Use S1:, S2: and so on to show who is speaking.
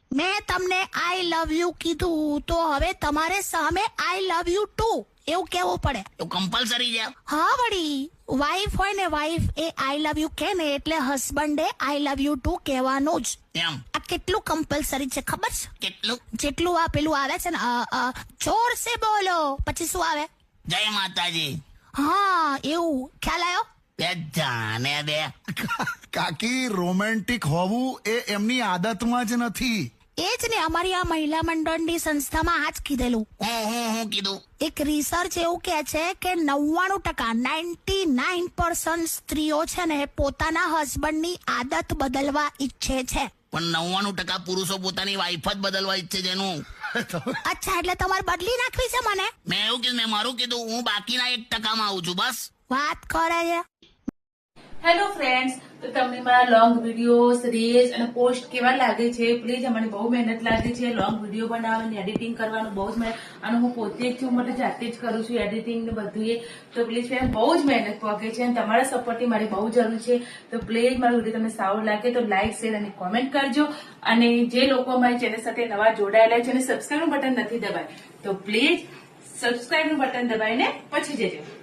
S1: મેં તમને આઈ love you કીધું તો હવે તમારે સામે આઈ લવ યુ ટુ એવું કેવું પડે.
S2: તો કમ્પલસરી છે.
S1: હા વળી, વાઈફ હોય ને wife A I love you કે ને એટલે હસબન્ડે આઈ લવ યુ ટુ કહેવાનું જ.
S2: એમ
S1: આ કેટલું કમ્પલસરી છે ખબર છે?
S2: કેટલું?
S1: જેટલું આ પેલું આવે છે ને જોર સે બોલો પછી શું આવે?
S2: જય માતાજી.
S1: હા એવું ખ્યાલ આવ્યો?
S2: બે જાને બે.
S3: કાકી રોમેન્ટિક હોવું એ એમની આદતમાં જ નથી.
S1: એ જ ને, અમારી આ મહિલા મંડળની સંસ્થામાં આ જ કીધેલું.
S2: હું કીધું?
S1: એક રિસર્ચ એવું કે છે કે 99% સ્ત્રીઓ છે ને પોતાના હસબન્ડની આદત બદલવા ઈચ્છે છે.
S2: પણ 99% પુરુષો પોતાની વાઈફ જ બદલવા ઈચ્છે છે એનું.
S1: અચ્છા, એટલે તમારે બદલી નાખવી છે મને?
S2: મેં એવું કીધું, મેં મારું કીધું, હું બાકીના 1% આવું છું બસ.
S1: વાત કરે છે.
S4: હેલો ફ્રેન્ડ્સ, તો તમને મારા લોંગ વિડીયોઝ, રીલ્સ અને પોસ્ટ કેવા લાગે છે? પ્લીઝ, મને બહુ મહેનત લાગે છે લોંગ વિડીયો બનાવવાની, એડિટિંગ કરવાનું બહુ જ મહેનત, અને હું પોતે જ છું, માટે જાતે જ કરું છું એડિટિંગ ને બધું એ. તો પ્લીઝ ફ્રેન્ડ, બહુ જ મહેનત પોગે છે અને તમારા સપોર્ટની મારી બહુ જરૂર છે. તો પ્લીઝ મારો વિડીયો તમને સારો લાગે તો લાઈક, શેર અને કોમેન્ટ કરજો. અને જે લોકો અમારી ચેનલ સાથે નવા જોડાયેલા છે અને સબસ્ક્રાઈબ નું બટન નથી દબાય તો પ્લીઝ સબસ્ક્રાઈબ નું બટન દબાઈને પછી જજો.